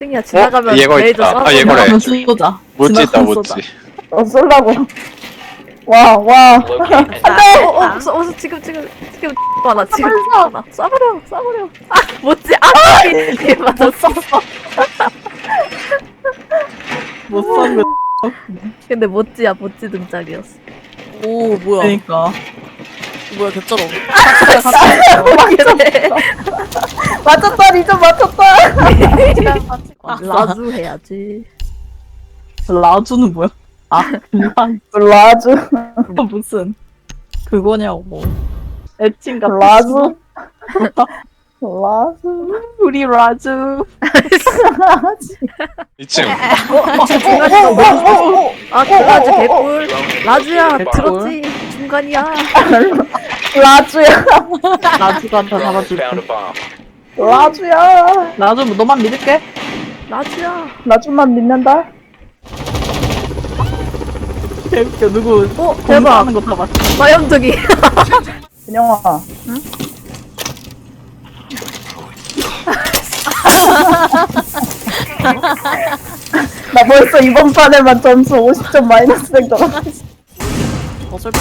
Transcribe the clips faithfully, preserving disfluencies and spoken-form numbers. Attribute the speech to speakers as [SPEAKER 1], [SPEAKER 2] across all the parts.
[SPEAKER 1] 땡이야 지나가면
[SPEAKER 2] 얘거
[SPEAKER 1] 레이저
[SPEAKER 2] 있다.
[SPEAKER 1] 쏴.
[SPEAKER 2] 아, 얘거래.
[SPEAKER 3] 지나가면 쏘자.
[SPEAKER 2] 못지 있다,
[SPEAKER 3] 지나가면
[SPEAKER 2] 못지.
[SPEAKER 3] 쏘자.
[SPEAKER 4] 어, 쏠라고. 와, 와.
[SPEAKER 1] 안돼. 어, 어, 어, 어, 지금 지금 지금 많아 지금 많아. 쏴버려 쏴버려. 아 뭐지? 아 얘 맞았어.
[SPEAKER 3] 못 쏜.
[SPEAKER 1] 근데 멋지야 멋지 등짝이었어.
[SPEAKER 5] 오 뭐야
[SPEAKER 3] 그러니까.
[SPEAKER 5] 뭐야 개쩔어
[SPEAKER 4] 맞췄다, 리좀 맞췄다.
[SPEAKER 1] 라주 해야지.
[SPEAKER 3] 라주는 뭐야? 아,
[SPEAKER 4] 라주.
[SPEAKER 3] 그거 무슨 그거냐고. 애칭 같은.
[SPEAKER 4] 라주. 라주.
[SPEAKER 3] 우리 라주.
[SPEAKER 2] 이 층.
[SPEAKER 1] 아 그 라주 개꿀. 라주야
[SPEAKER 3] 개꿀.
[SPEAKER 1] 들었지? 중간이야.
[SPEAKER 4] 라주야.
[SPEAKER 3] 라주가 다 잡아줄게.
[SPEAKER 4] 라주야.
[SPEAKER 3] 라주 너만 믿을게.
[SPEAKER 1] 라주야.
[SPEAKER 4] 라주만 믿는다.
[SPEAKER 3] 개웃겨. 누구
[SPEAKER 1] 어
[SPEAKER 3] 대박
[SPEAKER 1] 대박.
[SPEAKER 3] 하는 거 다 봤어.
[SPEAKER 1] 마염둥이.
[SPEAKER 4] 은영아. 응? 나 벌써 이번 판에만 점수 오십 점 마이너스 된 거라.
[SPEAKER 5] 어 슬퍼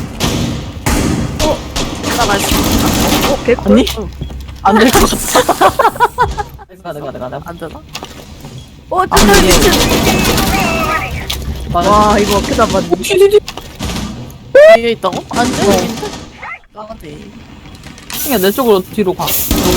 [SPEAKER 5] 어? 나가 있어
[SPEAKER 1] 어 개꿀.
[SPEAKER 3] 아니? 안 될 것 같아. 내가 내가 내가 내가.
[SPEAKER 5] 안 되나?
[SPEAKER 1] 어 진짜
[SPEAKER 3] 아니.
[SPEAKER 1] 미친.
[SPEAKER 3] 맞아.
[SPEAKER 1] 와 이거 어떻게 잡았니?
[SPEAKER 5] 위에 있다고? 안 돼? 까마대
[SPEAKER 3] 야, 내 쪽으로 뒤로 가. 여기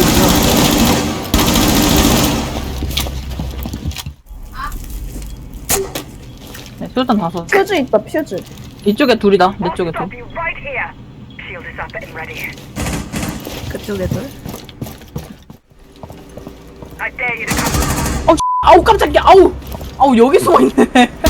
[SPEAKER 3] 네, 수류탄 다섯.
[SPEAKER 4] 퓨즈 있다, 퓨즈.
[SPEAKER 3] 이쪽에 둘이다. 내 쪽에 둘.
[SPEAKER 6] Stop you right here. Shield is up and ready.
[SPEAKER 1] 그쪽에 둘.
[SPEAKER 6] I dare you to come.
[SPEAKER 3] 아우 깜짝이야. 아우. 아우 여기 숨어 있네.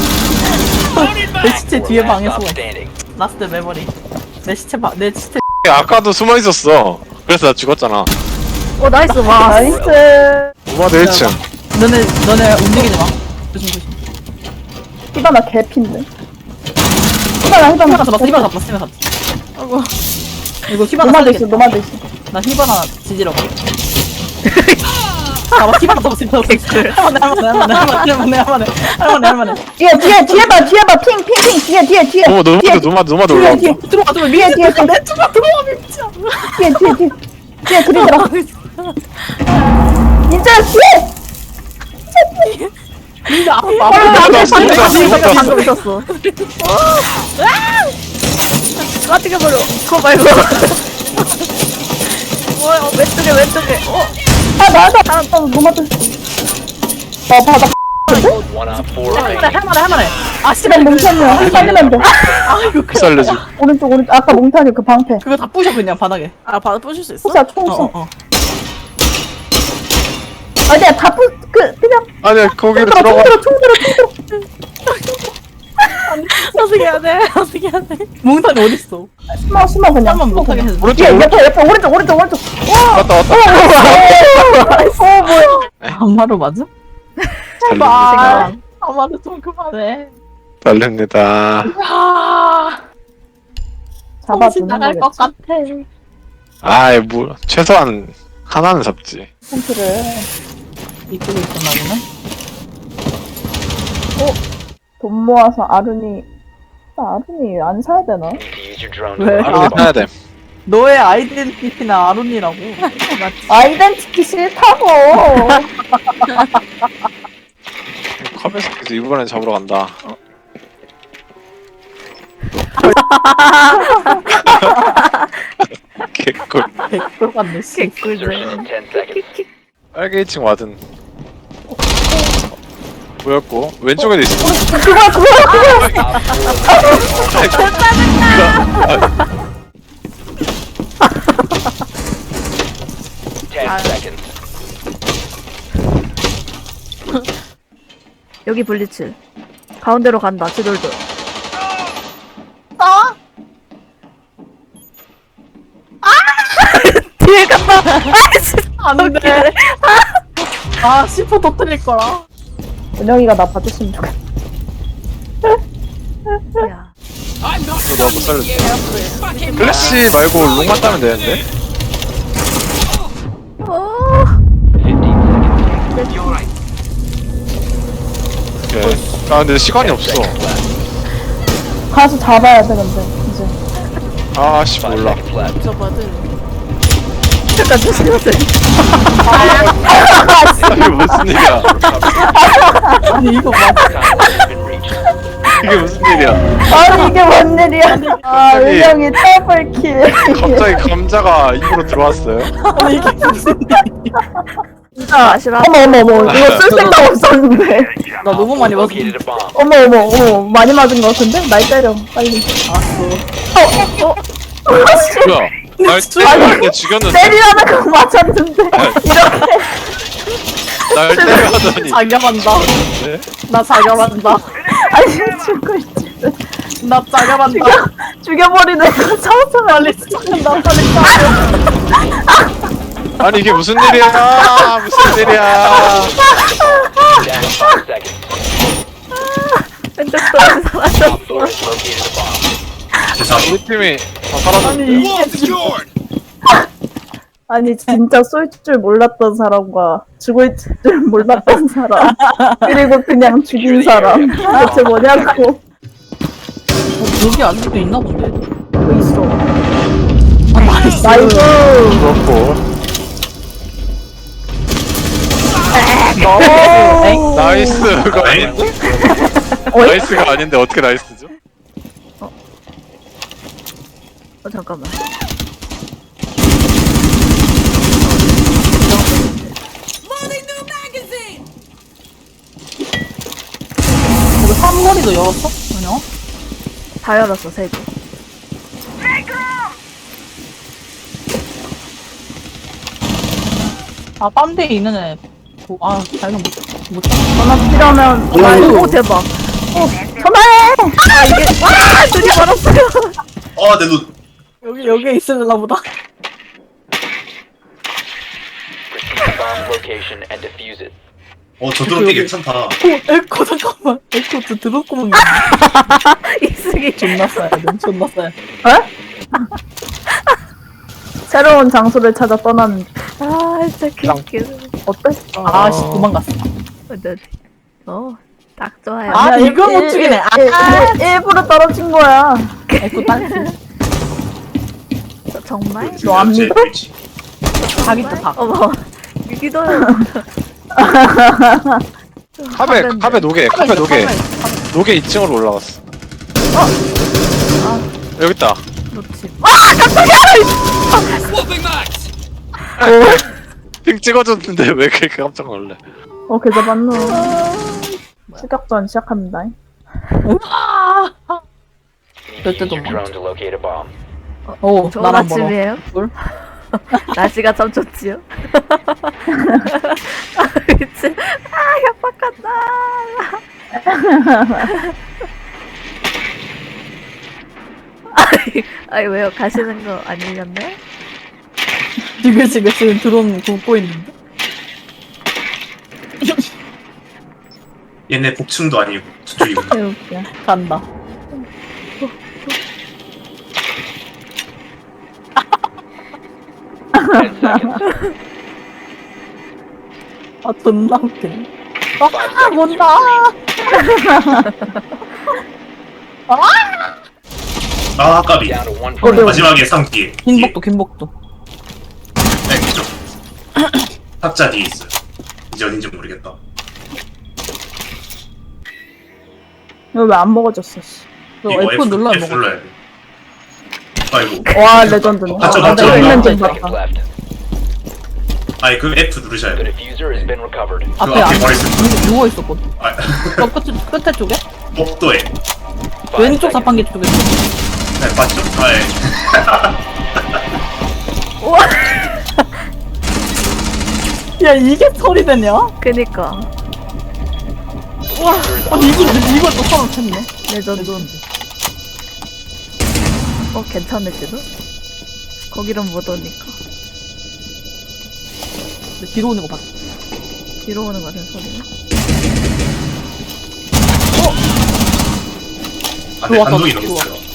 [SPEAKER 3] 내 시체 뒤에 방에 숨어 있어. 라스트 메모리. 내 시체 방, 내 시체.
[SPEAKER 2] 아까도 숨어 있었어. 그래서 나 죽었잖아.
[SPEAKER 1] 어 나이스 와.
[SPEAKER 4] 나이스.
[SPEAKER 2] 오마드 일 층.
[SPEAKER 3] 너네 너네 움직이지 마. 조심 조심.
[SPEAKER 4] 히바나 개핀데. 히바나, 히바나.
[SPEAKER 3] 히바나 잡았어. 히바나 잡았어. 히바나 잡았어.
[SPEAKER 5] 아이고
[SPEAKER 3] 이거 히바나
[SPEAKER 4] 노마드 있어,
[SPEAKER 3] 살리겠다.
[SPEAKER 4] 노마드 있어.
[SPEAKER 3] 나 히바나 지지러 가. 잡아 히바나 잡았어. 히바나 잡았어. 할만해 할만해 할만해 할만해 할만해 할만해 할만해.
[SPEAKER 4] 뒤에, 뒤에, 뒤에 봐, 뒤에 봐. 핑, 핑, 핑. 뒤에, 뒤에, 뒤에.
[SPEAKER 2] 어, 노마드,
[SPEAKER 4] 뒤에,
[SPEAKER 2] 노마드, 노마드
[SPEAKER 4] 뒤에,
[SPEAKER 2] 올라온다.
[SPEAKER 4] 뒤에,
[SPEAKER 3] 들어와 들어와.
[SPEAKER 4] 뒤에, 뒤에, 뒤에.
[SPEAKER 3] 내 쪽으로 들어와 미쳐.
[SPEAKER 4] 뒤에, 뒤에, 뒤에. 뒤에 들이더라. 진짜 뒤에!
[SPEAKER 3] 근데 앞에
[SPEAKER 2] 나
[SPEAKER 3] 앞에
[SPEAKER 2] 진짜 죽었다.
[SPEAKER 1] 방금 있었어. 까뜨겨 버려. 그거 말고. 뭐야? 어, 왼쪽에 왼쪽에. 어.
[SPEAKER 4] 아, 나다. 아, 노마드. 아, 바닥.
[SPEAKER 3] 할만해 할만해 할만해. 아 씨발
[SPEAKER 4] 씨발, 몽탄이야. 살리면 돼.
[SPEAKER 3] 아이고 그
[SPEAKER 2] 살려줘.
[SPEAKER 4] 오른쪽, 오른쪽. 아까 몽탄이 그 방패.
[SPEAKER 3] 그거 다 부셔 그냥 바닥에.
[SPEAKER 5] 아 바로 부실 수 있어?
[SPEAKER 4] 호사, 총총.
[SPEAKER 3] 어어.
[SPEAKER 4] 아니야, 다 부, 그, 그냥.
[SPEAKER 2] 아니야, 거기로
[SPEAKER 4] 총
[SPEAKER 2] 들어가.
[SPEAKER 4] 들어, 총 들어, 총 들어.
[SPEAKER 5] 어떻게 해야 돼? 어떻게 해야 돼?
[SPEAKER 3] 몽탄이 어딨어?
[SPEAKER 4] 숨어, 숨어, 그냥.
[SPEAKER 3] 한번
[SPEAKER 4] 숨어,
[SPEAKER 3] 못하게
[SPEAKER 4] 그냥.
[SPEAKER 3] 해줘.
[SPEAKER 2] 오른쪽,
[SPEAKER 4] 뒤에,
[SPEAKER 2] 오른쪽.
[SPEAKER 4] 옆에, 옆에, 오른쪽, 오른쪽, 오른쪽.
[SPEAKER 2] 왔다, 왔다.
[SPEAKER 4] 어, 뭐야.
[SPEAKER 3] 한마로 맞음?
[SPEAKER 2] 달립니다.
[SPEAKER 3] 한마로 좀 그만해.
[SPEAKER 2] 달립니다.
[SPEAKER 3] 아,
[SPEAKER 4] 잡아주는
[SPEAKER 3] 나갈 것
[SPEAKER 4] 거겠지.
[SPEAKER 3] 같아.
[SPEAKER 2] 아이, 뭐, 최소한 하나는 잡지.
[SPEAKER 4] 폰트를.
[SPEAKER 3] 이쪽에 있었나 보네.
[SPEAKER 4] 돈 모아서 아룬이. 나 아룬이 안 사야 되나?
[SPEAKER 3] 왜?
[SPEAKER 2] 하루에 사야 돼.
[SPEAKER 3] 너의 아이덴티티는 아론이라고.
[SPEAKER 4] 아이덴티티 싫다고.
[SPEAKER 2] 컵에서 그래서 이번엔 잡으러 간다. 개꿀.
[SPEAKER 3] 백돌 같네, 씨.
[SPEAKER 1] 개꿀들.
[SPEAKER 2] 빨개 이 층 와든. 보였고, 왼쪽에도 있어.
[SPEAKER 4] 그거, 그거, 그거.
[SPEAKER 1] 여기 블리츠. 가운데로 간다. 지돌도.
[SPEAKER 4] 아!
[SPEAKER 1] 뒤에 간다. 아이씨.
[SPEAKER 3] 안 돼. 아, 씨포 터뜨릴 거라.
[SPEAKER 4] 은영이가 나 봐줬으면 좋겠다.
[SPEAKER 1] 야.
[SPEAKER 2] 이거 너무 살려줘. 플래시 말고 롱만 따면 되는데?
[SPEAKER 1] 어.
[SPEAKER 2] 오케이. 아 근데 시간이 없어.
[SPEAKER 4] 가서 잡아야 돼 근데 이제.
[SPEAKER 2] 아씨 몰라.
[SPEAKER 5] 저거든.
[SPEAKER 1] 잠깐 조심하세요.
[SPEAKER 2] 이게 무슨 일이야?
[SPEAKER 3] 아니 이거 맞아.
[SPEAKER 2] 이게 무슨 일이야?
[SPEAKER 4] 아니 이게 뭔 일이야? 아
[SPEAKER 2] 갑자기-
[SPEAKER 4] 은영이 트래블킬.
[SPEAKER 2] 갑자기 감자가 입으로 들어왔어요.
[SPEAKER 3] 아니 이게 무슨 일이야.
[SPEAKER 4] 진짜
[SPEAKER 1] 아시라?
[SPEAKER 4] 어머 어머 어머 이거 쓸 생각 없었는데.
[SPEAKER 3] 나 너무 많이 봤어.
[SPEAKER 4] 어머 어머 어머 많이 맞은 거 같은데? 날 때려 빨리.
[SPEAKER 3] 알았어.
[SPEAKER 4] 어? 어?
[SPEAKER 2] 뭐야? 날 때렸는데 죽였는데
[SPEAKER 4] 때리라는 거 맞았는데 이렇게
[SPEAKER 2] 날 때려하더니
[SPEAKER 3] 자격한다.
[SPEAKER 2] 네?
[SPEAKER 3] 나 자격한다.
[SPEAKER 4] 아니 죽고 있지.
[SPEAKER 3] 나 자격한다.
[SPEAKER 4] 죽여 죽여버리는 거 처음
[SPEAKER 3] 빨리 시작한다. 빨리 시작.
[SPEAKER 2] 아니 이게 무슨 일이야? 무슨 일이야?
[SPEAKER 1] 근데 또 사라졌어.
[SPEAKER 2] 우리 팀이 다 사라졌는데.
[SPEAKER 3] 아니 이게 지금
[SPEAKER 4] 아니 진짜 쏠 줄 몰랐던 사람과 죽을 줄 몰랐던 사람 그리고 그냥 죽인 사람 대체 뭐냐고.
[SPEAKER 3] 어, 여기 아직도 있나 본데.
[SPEAKER 4] 또 있어.
[SPEAKER 3] 아, 나이스.
[SPEAKER 4] 나이스.
[SPEAKER 2] 그렇고
[SPEAKER 3] 엥?
[SPEAKER 2] 나이스가 아닌데? 나이스가 아닌데 어떻게 나이스죠?
[SPEAKER 1] 어 잠깐만.
[SPEAKER 3] 이거 삼거리도 열었어? 아니야?
[SPEAKER 1] 다 열었어 세 개.
[SPEAKER 3] 아 빰대에 있는 애. 뭐, 아 발견 못 못.
[SPEAKER 4] 전화 필요하면
[SPEAKER 1] 오, 오 대박.
[SPEAKER 4] 전화해.
[SPEAKER 1] 아 이게 와 눈이 멀었어요.
[SPEAKER 7] 아, 내 눈.
[SPEAKER 3] 여기 여기에 있으려나 보다.
[SPEAKER 7] 어, 저 드론 되게 괜찮다.
[SPEAKER 3] 오 에코 잠깐만. 에코 저 드롭구멍.
[SPEAKER 1] 이승이
[SPEAKER 3] 존나 싸야 돼. 존나 싸야 돼.
[SPEAKER 4] 새로운 장소를 찾아 떠나는.
[SPEAKER 1] 아 진짜 개웃기네.
[SPEAKER 4] 어때?
[SPEAKER 3] 아씨 도망갔어.
[SPEAKER 1] 어디 어딱 좋아요.
[SPEAKER 3] 아,
[SPEAKER 4] 야,
[SPEAKER 3] 이거 못
[SPEAKER 4] 일-
[SPEAKER 3] 죽이네. 아.
[SPEAKER 4] 일- 일- 일부러 떨어진 거야.
[SPEAKER 3] 에코 딸.
[SPEAKER 1] 저 정말?
[SPEAKER 4] 너 안 믿어?
[SPEAKER 3] 자기 또 다.
[SPEAKER 1] 어머 믿어요.
[SPEAKER 2] 카베 카베 노게 카베 노게 노게 이 층으로 올라갔어. 여기 있다.
[SPEAKER 1] 놓치.
[SPEAKER 2] 핑 찍어줬는데 왜 그렇게 깜짝 놀래?
[SPEAKER 4] 어 그저 맞노. 추격전 시작합니다.
[SPEAKER 3] 절대 도 못.
[SPEAKER 1] 어,
[SPEAKER 3] 오
[SPEAKER 1] 좋은
[SPEAKER 3] 나랑 멀어.
[SPEAKER 1] 아침이에요.
[SPEAKER 3] 뭘?
[SPEAKER 1] 날씨가 참 좋지요. 아 미친. 아 협박한다. 아니, 아니 왜요? 가시는 거 아니셨나요?
[SPEAKER 3] 지금 지금 지금 드론 굽고 있는데.
[SPEAKER 7] 얘네 복층도 아니고 저쪽이구나.
[SPEAKER 4] 개웃겨.
[SPEAKER 3] 간다. 아 존나 웃기네. 아 뭔다.
[SPEAKER 7] 아, 까비. 마지막에 상 뒤에. 뒤에.
[SPEAKER 3] 긴복도 긴복도.
[SPEAKER 7] 네, 그쪽. 탁자 뒤에 있어요. 이제 어딘지 모르겠다.
[SPEAKER 4] 이거 왜 안 먹어졌어? 씨.
[SPEAKER 3] 너
[SPEAKER 7] 이거
[SPEAKER 3] F 눌러야
[SPEAKER 7] F
[SPEAKER 3] 먹어.
[SPEAKER 7] 눌러야 돼. 아이고.
[SPEAKER 4] 와 레전드네.
[SPEAKER 7] 맞죠,
[SPEAKER 4] 아,
[SPEAKER 7] 맞죠.
[SPEAKER 4] 나 있는 좀
[SPEAKER 3] 맞죠.
[SPEAKER 4] 봤다.
[SPEAKER 7] 아니, 그 F 누르셔야 돼. 그
[SPEAKER 3] 앞에
[SPEAKER 7] 앞에
[SPEAKER 3] 안
[SPEAKER 7] 머리 쓰
[SPEAKER 3] 누워 있었거든.
[SPEAKER 7] 아,
[SPEAKER 3] 저 끝에 끝에 쪽에?
[SPEAKER 7] 복도에.
[SPEAKER 3] 왼쪽 자판기 쪽에.
[SPEAKER 7] 네, 맞죠? 아, 예.
[SPEAKER 3] 야 이게 소리 되냐?
[SPEAKER 1] 그니까
[SPEAKER 3] 아니 이걸 이걸 또 서로 쳤네.
[SPEAKER 1] 레전드. 어 괜찮을지도? 거기는 못 오니까
[SPEAKER 3] 근데 뒤로 오는 거 봤어.
[SPEAKER 1] 뒤로 오는 거 같은 소리네.
[SPEAKER 7] 아, 네,
[SPEAKER 3] 들어왔다,
[SPEAKER 7] 단독이
[SPEAKER 3] 들어와.
[SPEAKER 7] 넘었어요.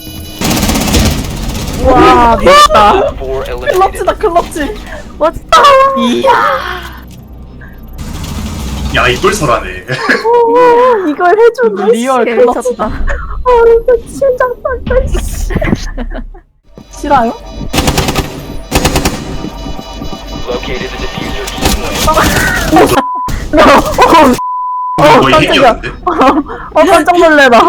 [SPEAKER 4] 와 미쳤다.
[SPEAKER 3] 클럽치다 클럽치.
[SPEAKER 1] 멋있다.
[SPEAKER 3] 이야.
[SPEAKER 7] 야 이걸 설하네.
[SPEAKER 4] 오, 이걸 해주네.
[SPEAKER 3] 리얼
[SPEAKER 1] 개
[SPEAKER 3] 클러치.
[SPEAKER 1] 미쳤다.
[SPEAKER 4] 아, 진짜 심장 빡다, 씨.
[SPEAKER 3] 싫어요?
[SPEAKER 4] 어,
[SPEAKER 7] 거의
[SPEAKER 4] 깜짝이야.
[SPEAKER 7] 핵이었는데.
[SPEAKER 4] 어, 깜짝 놀래라.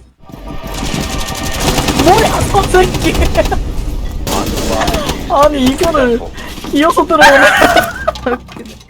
[SPEAKER 3] 뭐야, 저 새끼. 아니, 이거를 이어서 들어오네.